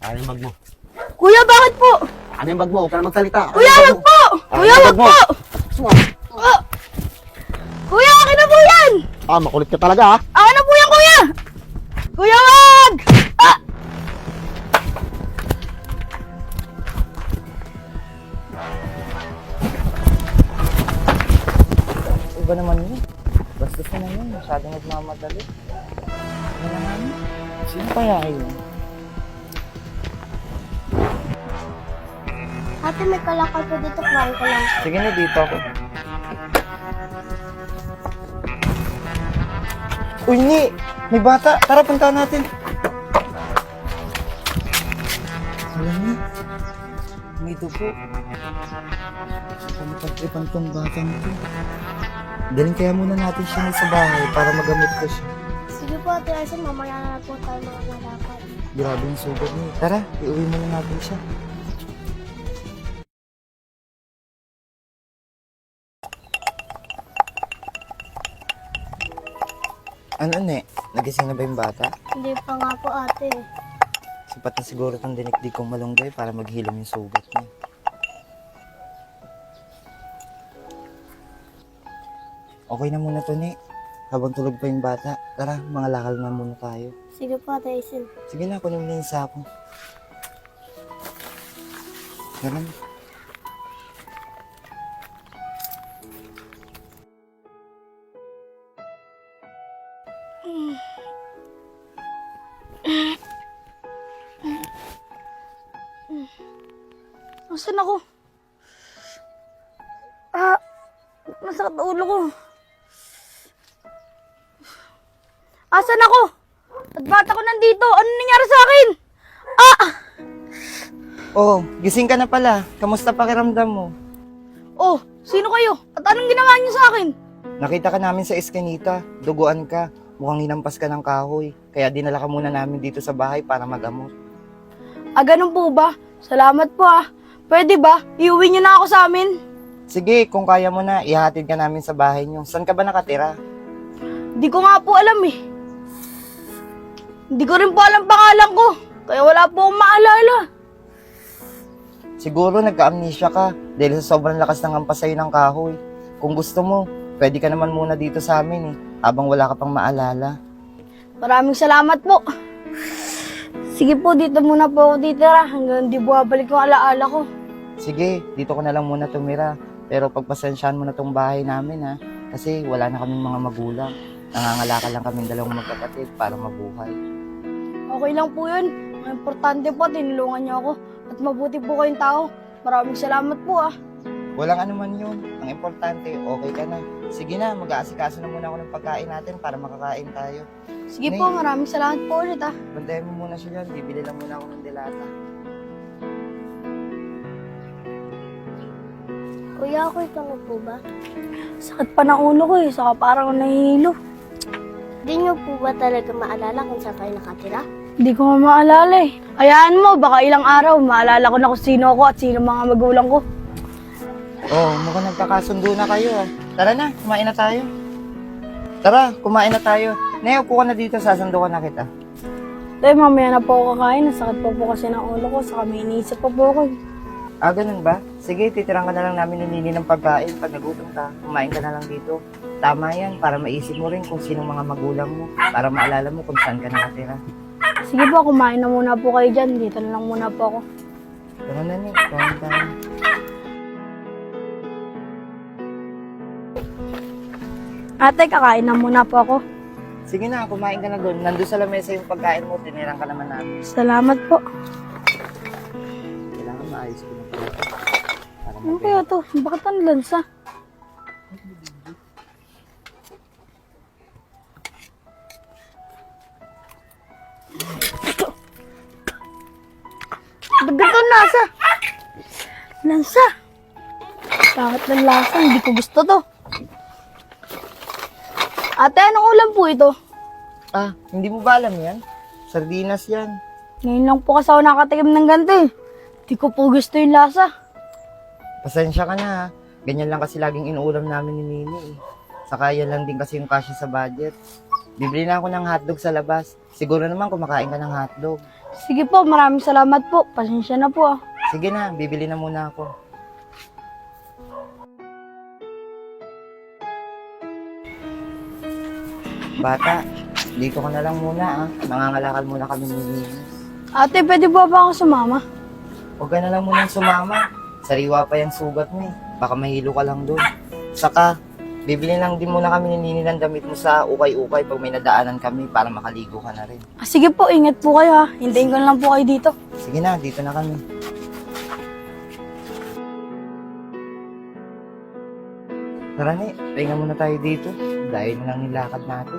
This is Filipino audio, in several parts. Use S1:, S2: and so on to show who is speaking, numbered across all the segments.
S1: Ano yung bag mo?
S2: Kuya, bakit po?
S1: Ano yung bag mo? Huwag ka na magsalita.
S2: Kuya, wag po! Kuya, wag po! Oh. Kuya, akin na po yan!
S1: Makulit ka talaga ha.
S2: Akin na po yan, kuya! Kuya, wag! Ah!
S3: Iba naman yun. Bastos na yun. Masyadong nagmamadali. Ano naman? Sino kaya yun?
S4: Ate, may kalakal po dito. Kumain ko lang.
S3: Sige na, dito ako. Uy, Ni! May bata! Tara, puntahan natin. Alam niyo, may dugo. Pagtripan tong batang to. Daling kaya muna natin siya sa bahay para magamit ko siya.
S4: Sige po, Ate Arcel. Mamaya na lang po tayo mga kalakal.
S3: Grabe yung sugat niya. Tara, iuwi muna natin siya. Ano, Ne? Nagising na ba yung bata?
S4: Hindi pa nga po, ate.
S3: Sapat na siguro itong dinikdik kong malunggay para maghilom yung sugat niya. Okay na muna to, Ne. Habang tulog pa yung bata, tara, mga lakal na muna tayo.
S4: Sige po, Ate Arcel.
S3: Sige na, kunin mo na yung sako. Tara na.
S2: Nasaan ako? Masakit ang ulo ko. Asan ako? At ba't ako nandito? Ano nangyari sa akin?
S3: Oh, gising ka na pala. Kamusta pakiramdam mo?
S2: Oh, sino kayo? At anong ginawa niyo sa akin?
S3: Nakita ka namin sa eskinita. Duguan ka. Mukhang hinampas ka ng kahoy. Kaya dinala ka muna namin dito sa bahay para magamot.
S2: Ganun po ba? Salamat po Pwede ba? Iuwi niyo na ako sa amin?
S3: Sige, kung kaya mo na, ihatid ka namin sa bahay niyo. Saan ka ba nakatira?
S2: Di ko nga po alam eh. Hindi ko rin po alam pangalan ko. Kaya wala po akong maalala.
S3: Siguro nagka-amnesia ka dahil sa sobrang lakas ng hampas sa'yo ng kahoy. Kung gusto mo, pwede ka naman muna dito sa amin habang wala ka pang maalala.
S2: Maraming salamat po. Sige po, dito muna po ako titira hanggang di bumabalik yung alaala ko.
S3: Sige, dito ko na lang muna tumira. Pero pagpasensyahan mo na tong bahay namin kasi wala na kaming mga magulang. Nangangalakal lang kaming dalawang magkapatid para mabuhay.
S2: Okay lang po yun. Ang importante po, tinulungan niyo ako. At mabuti po kayong tao. Maraming salamat po
S3: Walang anuman yun. Ang importante, okay ka na. Sige na, mag-aasikaso na muna ako ng pagkain natin para makakain tayo.
S2: Sige
S3: Nay.
S2: po, maraming salamat po ulit
S3: Bantayan mo muna siya dyan. Bibili lang muna ako ng delata.
S4: Kuya, okay ka na po ba?
S2: Sakit pa ng ulo ko saka parang nahihilo.
S4: Di niyo po ba talaga maalala kung saan kayo nakatira?
S2: Hindi ko nga maalala Hayaan mo, baka ilang araw, maalala ko na kung sino ako at sino mga magulang ko.
S3: Oh, mukhang nagkakasundo na kayo Tara na, kumain na tayo. Tara, kumain na tayo. Neo, upo ka na dito, sasando ka na kita.
S2: Tay, mamaya na po ako kakain. Nasakit po kasi ng ulo ko, saka may iniisip pa po ako.
S3: Ganun ba? Sige, titirang ka na lang namin ni Nini ng pagkain. Pag nagutom ka, kumain ka na lang dito. Tama yan, para maisip mo rin kung sinong mga magulang mo. Para maalala mo kung saan ka nakatira.
S2: Sige po, kumain na muna po kayo dyan. Dito na lang muna po ako.
S3: Tara na, Nick. Kain tayo.
S2: Ate, kakain na muna po ako.
S3: Sige na, kumain ka na doon. Nandun sa lamesa yung pagkain mo, tinirang ka naman namin.
S2: Salamat po.
S3: Kailangan maayos ko na pala. Para
S2: Ano kaya to? Bakit ang lansa? Dagat ang lasa. Lansa. Bakit ng lasa? Hindi ko gusto to. Ate, anong ulam po ito?
S3: Hindi mo ba alam yan? Sardinas yan.
S2: Ngayon lang po kasi ako nakatikim ng ganito Hindi ko po gusto yung lasa.
S3: Pasensya ka na Ganyan lang kasi laging inuulam namin ni Nini Saka yan lang din kasi yung kasya sa budget. Bibili na ako ng hotdog sa labas. Siguro naman kumakain ka ng hotdog.
S2: Sige po, maraming salamat po. Pasensya na po ah.
S3: Sige na, bibili na muna ako. Bata, dito ka na lang muna ah. Nangangalakal muna kami ni Nina.
S2: Ate, pwede po ba ako sumama?
S3: Huwag ka na lang muna sumama. Sariwa pa yung sugat mo eh. Baka mahilo ka lang doon. Saka, bibili lang din muna kami ni Nini ng damit mo sa ukay-ukay pag may nadaanan kami para makaligo ka na rin.
S2: Ah, sige po, ingat po kayo ha. Hintayin ko na lang po kayo dito.
S3: Sige na, dito na kami. Tara ni, pahinga muna tayo dito. Dahil na lang nilakad natin.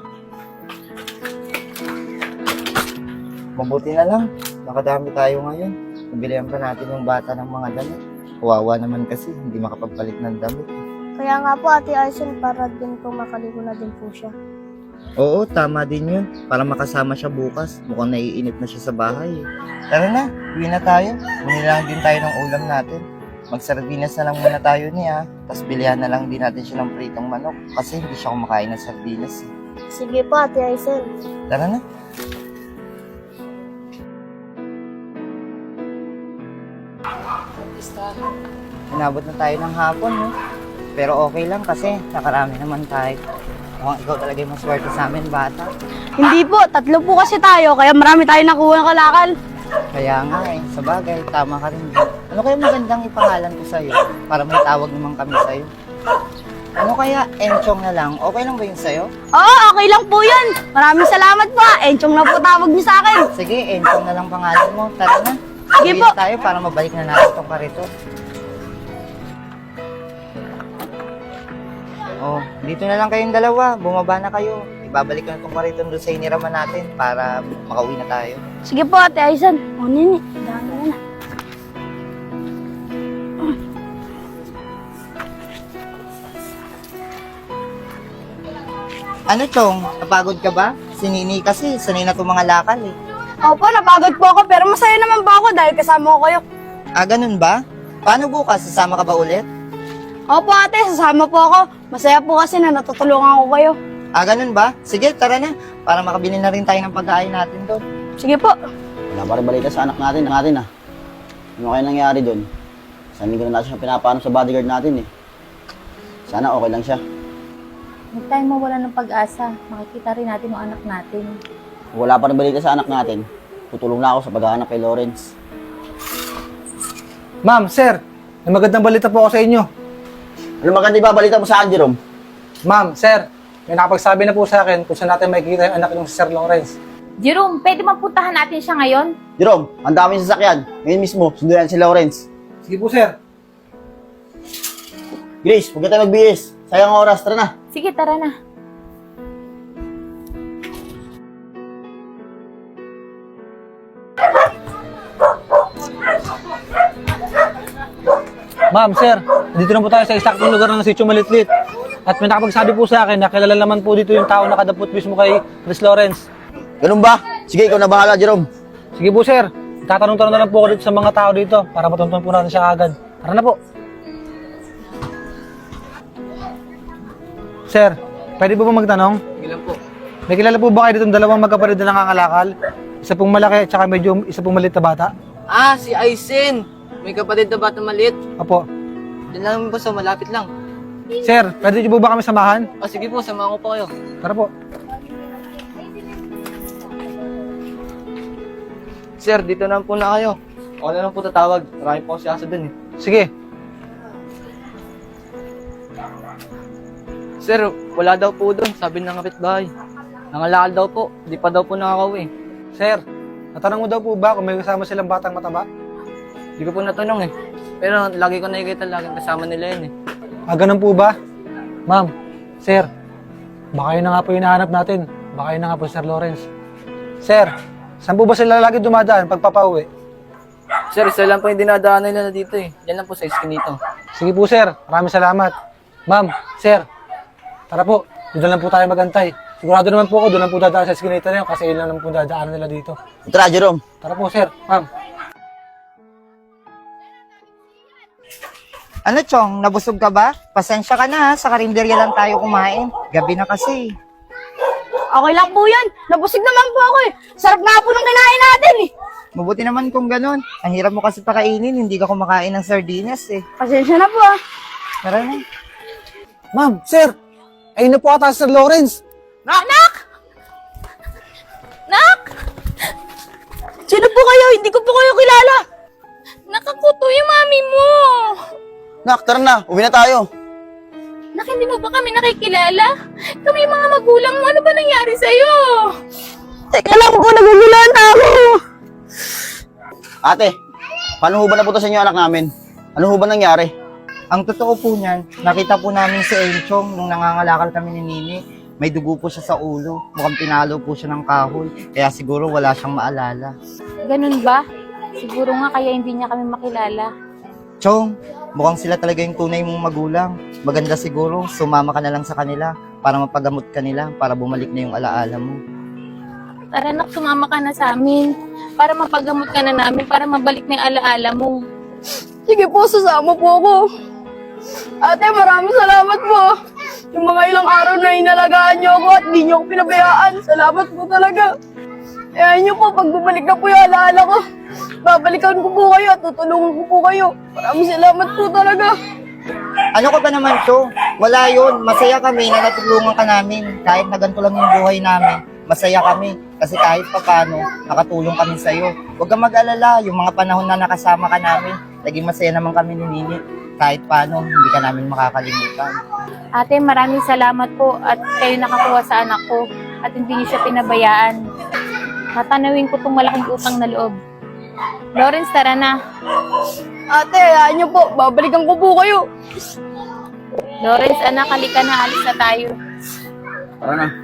S3: Mabuti na lang, nakadami tayo ngayon. Pabilihan pa natin yung bata ng mga damit. Kawawa naman kasi, hindi makapagpalit ng damit.
S4: Kaya nga po, Ate Aisen, para din po makaligo na din po siya.
S3: Oo, tama din yun. Para makasama siya bukas. Mukhang naiinip na siya sa bahay. Tara na, uwi na tayo. Muni lang din tayo ng ulam natin. Magsardinas na lang muna tayo niya. Tapos bilihan na lang din natin siya ng pritong manok. Kasi hindi siya kumakain ng sardinas.
S4: Sige po, Ate Aisen.
S3: Tara na. Inabot na tayo ng hapon, no? Pero okay lang kasi nakarami naman tayo. Mukhang ikaw talaga yung maswerte sa amin, bata.
S2: Hindi po, 3 po kasi tayo, kaya marami tayo nakuha ng kalakal.
S3: Kaya nga eh, sa bagay, tama ka rin. Ano kaya magandang ipangalan ko sa'yo? Para may tawag naman kami sa'yo. Ano kaya, Enchong na lang? Okay lang ba yun sa'yo?
S2: Oo, okay lang po yun. Maraming salamat po. Enchong na po tawag niyo sa akin.
S3: Sige, Enchong na lang pangalan mo. Tara na.
S2: Sige
S3: Uwi
S2: po.
S3: na tayo para mabalik na natin itong karito. Oh, dito na lang kayong dalawa. Bumaba na kayo. Ibabalik ko na itong karito doon sa iniraman natin para makauwi na tayo.
S2: Sige po, Ate Aisen. O, Nini, dami na na.
S3: Ano, Chong? Napagod ka ba? Si Nini kasi, sanay na itong mga lakal eh.
S2: Opo, napagod po ako, pero masaya naman po ako dahil kasama ko kayo.
S3: Ah, ganun ba? Paano bukas? Sasama ka ba ulit?
S2: Opo, ate, sasama po ako. Masaya po kasi na natutulungan ko kayo.
S3: Ah, ganun ba? Sige, tara na. Para makabili na rin tayo ng pagkain natin doon.
S2: Sige po.
S1: Wala pa rin balita sa anak natin ah. Ano kaya nangyari doon? Isang linggo na natin siya pinapaano sa bodyguard natin eh. Sana okay lang siya.
S5: Huwag tayong mawala ng pag-asa. Makikita rin natin yung anak natin.
S1: Kung wala pa rin balita sa anak natin, tutulong na ako sa paghahanap kay Lawrence.
S6: Ma'am, sir, may magandang balita po ako sa inyo.
S1: Ano maganda ibabalita mo sa akin, Jerome?
S6: Ma'am, sir, may nakapagsabi na po sa akin kung saan natin makikita yung anak ng si Sir Lawrence.
S5: Jerome, pwede mapuntahan natin siya ngayon?
S1: Jerome, ang dami sasakyan. Ngayon mismo, sunduyan si Lawrence.
S6: Sige po, sir.
S1: Grace, huwag ka tayo magbihis. Sayang ang oras, tara na.
S5: Sige, tara na.
S6: Ma'am, sir, dito na po tayo sa eksaktong lugar ng Sitio Malitlit. At may nakapagsabi po sa akin na kilala naman po dito yung tao na kadapot mismo kay Chris Lawrence.
S1: Ganun ba? Sige, ikaw na bahala, Jerome.
S6: Sige po, sir. Tatanong-tanong na lang po ako dito sa mga tao dito para matuntun po natin siya agad. Tara na po. Sir, pwede po ba magtanong?
S3: Ilan po?
S6: May kilala po ba kayo ditong dalawang magkapatid na nangangalakal? Isa pong malaki at saka medyo isa pong maliit na bata?
S7: Ah, si Aisen. May kapatid na bata maliit.
S6: Opo.
S7: Diyan lang po sa malapit lang.
S6: Sir, pwede niyo po ba kami samahan?
S7: O sige po, samahan ko po kayo.
S6: Tara po.
S7: Sir, dito na po na kayo. Ako na lang po tatawag. Marami po si Asa dun eh.
S6: Sige.
S7: Sir, wala daw po dun. Sabi ng kapitbahay. Nangalakal daw po. Di pa daw po nakakauwi.
S6: Sir, natanong mo daw po ba kung may kasama silang batang mataba?
S7: Di ko po natanong eh. Pero lagi ko nakikita laging kasama nila yun eh.
S6: Ah, ganun po ba? Ma'am, sir, baka yun na nga po yung hinahanap natin. Baka yun na nga po, Sir Lawrence. Sir, saan po ba sila lagi dumadaan pagpapauwi?
S7: Sir, isa lang po yung dinadaanan nila dito eh. Yan lang po sa iskinito.
S6: Sige po, sir. Maraming salamat. Ma'am, sir, tara po. Doon lang po tayo magantay. Sigurado naman po ako, doon lang po dadaan sa eskinita na yun kasi yun lang naman po dadaanan nila dito.
S1: Tara, Jerome.
S6: Tara po, sir. Ma'am.
S3: Ano, Chong? Nabusog ka ba? Pasensya ka na ha. Sa karinderya lang tayo kumain. Gabi na kasi.
S2: Okay lang po yan. Nabusig naman po ako eh. Sarap nga po ng kinain natin eh.
S3: Mabuti naman kung ganun. Ang hirap mo kasi pakainin, hindi ka kumakain ng sardinas eh.
S2: Pasensya na po ah.
S3: Tara na.
S6: Ma'am, sir! Ayun na po ata si Sir Lawrence.
S2: Sino po kayo? Hindi ko po kayo kilala.
S5: Nakakuto yung mami mo!
S1: Nak, tara na. Uwi na tayo.
S5: Nak, hindi mo ba kami nakikilala? Kami yung mga magulang mo. Ano ba nangyari sa'yo?
S2: Teka lang po, nagugulan na ako.
S1: Ate, paano ho ba napunta sa inyo anak namin? Ano ho ba nangyari?
S3: Ang totoo po niyan, nakita po namin si Enchong nung nangangalakal kami ni Nini. May dugo po siya sa ulo. Mukhang pinalo po siya ng kahoy. Kaya siguro wala siyang maalala.
S5: Ganun ba? Siguro nga kaya hindi niya kami makilala.
S3: Chong, mukhang sila talaga yung tunay mong magulang. Maganda siguro, sumama ka na lang sa kanila para mapagamot ka nila, para bumalik na yung alaala mo.
S5: Tara nak, sumama ka na sa amin. Para mapagamot ka na namin, para mabalik na yung alaala mo.
S2: Sige po, sasama po ako. Ate, maraming salamat po. Yung mga ilang araw na inalagaan niyo ako at di niyo ako pinabayaan. Salamat po talaga. Kaya niyo po, pag bumalik na po yung alaala ko, babalikan ko po kayo at tutulungan ko po kayo. Maraming salamat po talaga.
S3: Ano ka ba naman, Cho? Wala yun. Masaya kami na natulungan ka namin. Kahit na ganito lang yung buhay namin, masaya kami. Kasi kahit papano, nakatulong kami sa'yo. Huwag kang mag-alala. Yung mga panahon na nakasama ka namin, naging masaya naman kami ni Nini. Kahit paano, hindi ka namin makakalimutan.
S5: Ate, maraming salamat po at kayo nakakuha sa anak ko at hindi niyo siya pinabayaan. Tatanawin ko tong malaking utang na loob. Lawrence, tara na.
S2: Ate, hayaan niyo po. Babalikan ko po kayo.
S5: Lawrence, anak, halika na. Alis na tayo.
S1: Tara na.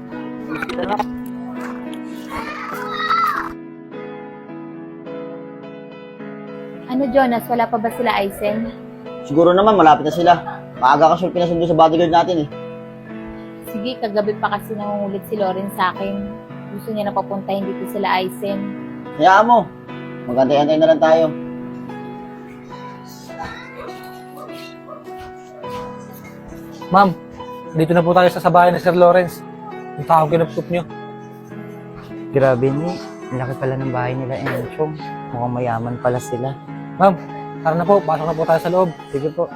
S5: Ano, Jonas? Wala pa ba sila, Aizen?
S1: Siguro naman, malapit na sila. Maaga kasi pinasundo sa bodyguard natin eh.
S5: Sige, kagabi pa kasi nangungulit si Lawrence sa akin. Gusto niya na papuntahin dito sila, Aizen.
S1: Hayaan mo. Magantay-antay na lang tayo.
S6: Ma'am, dito na po tayo sa bahay ni Sir Lawrence. Yung taong kinupkup nyo.
S3: Grabe ni, ang laki pala ng bahay nila, Enchong. Mukhang mayaman pala sila.
S6: Ma'am, tara na po. Pasok na po tayo sa loob.
S3: Sige po.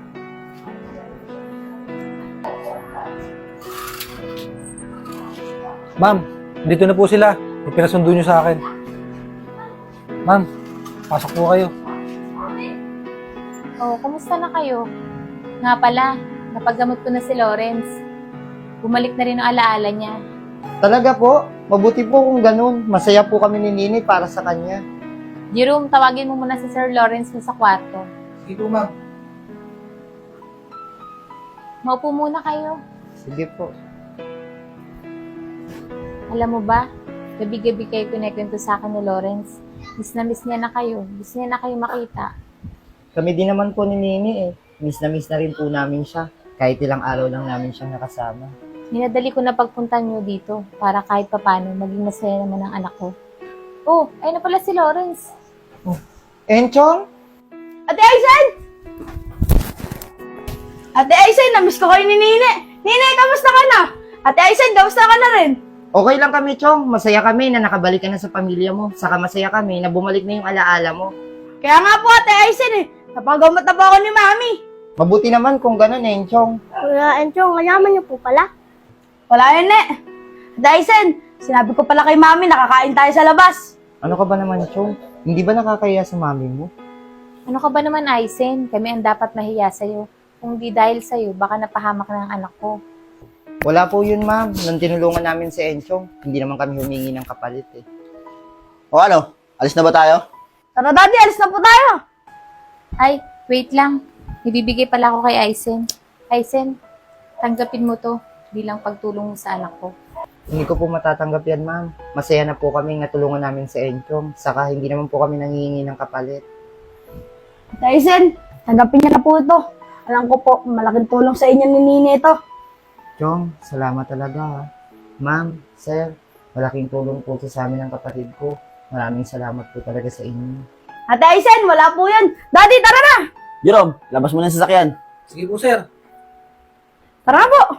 S6: Ma'am, dito na po sila. Yung pinasundo nyo sa akin. Ma'am, pasok po kayo.
S5: Oh, kumusta na kayo? Nga pala, napagamot ko na si Lawrence. Bumalik na rin ang alaala niya.
S3: Talaga po, mabuti po kung ganun. Masaya po kami ni Nini para sa kanya.
S5: Jerome, tawagin mo muna si Sir Lawrence sa kwarto.
S6: Sige po, ma'am.
S5: Maupo muna kayo.
S3: Sige po.
S5: Alam mo ba, gabi-gabi kayo kinikwento sa akin ni Lawrence. Miss niya na kayo. Gusto niya na kayo makita.
S3: Kami din naman po ni Nini eh. Miss na rin po namin siya. Kahit ilang araw lang namin siyang nakasama.
S5: Minadali ko na pagpunta niyo dito para kahit papano maging masaya naman ang anak ko. Oh, ayun na pala si Lawrence.
S3: Enchong?
S2: Ate Aizen! Ate Aizen, namiss ko kayo ni Nene. Nene, kamusta ka na? Ate Aizen, kamusta ka na rin?
S3: Okay lang kami, Chong. Masaya kami na nakabalik ka na sa pamilya mo. Saka masaya kami na bumalik na yung alaala mo.
S2: Kaya nga po, Ate Aizen eh. Napagamot na po ako ni Mami.
S3: Mabuti naman kung ganun, Enchong.
S4: Kuya Enchong, mayaman niyo po pala.
S2: Wala yun eh. Ate Aizen, sinabi ko pala kay Mami, nakakain tayo sa labas.
S3: Ano ka ba naman, Chong? Hindi ba nakakaya sa mami mo?
S5: Ano ka ba naman, Aizen? Kami ang dapat mahiya sa'yo. Kung di dahil sa'yo, baka napahamak na ang anak ko.
S3: Wala po yun, ma'am. Nung tinulungan namin si Enchong, hindi naman kami humingi ng kapalit eh.
S1: O ano? Alis na ba tayo?
S2: Tara, Daddy, alis na po tayo.
S5: Ay, wait lang. Ibibigay pala ako kay Aizen. Aizen, tanggapin mo to bilang pagtulong mo sa anak ko.
S3: Hindi ko po matatanggap yan, ma'am. Masaya na po kami natulungan namin si Enchong. Saka hindi naman po kami nangihingi ng kapalit.
S2: Ate Aizen, tanggapin niya na po ito. Alam ko po, malaking tulong sa inyo ni Nene ito.
S3: Chong, salamat talaga ha. Ma'am, sir, malaking tulong po sa amin ng kapatid ko. Maraming salamat po talaga sa inyo.
S2: Ate Aizen, wala po yan. Daddy, tara na!
S1: Jerome, labas mo na yung sasakyan.
S6: Sige po, sir.
S2: Tara na po!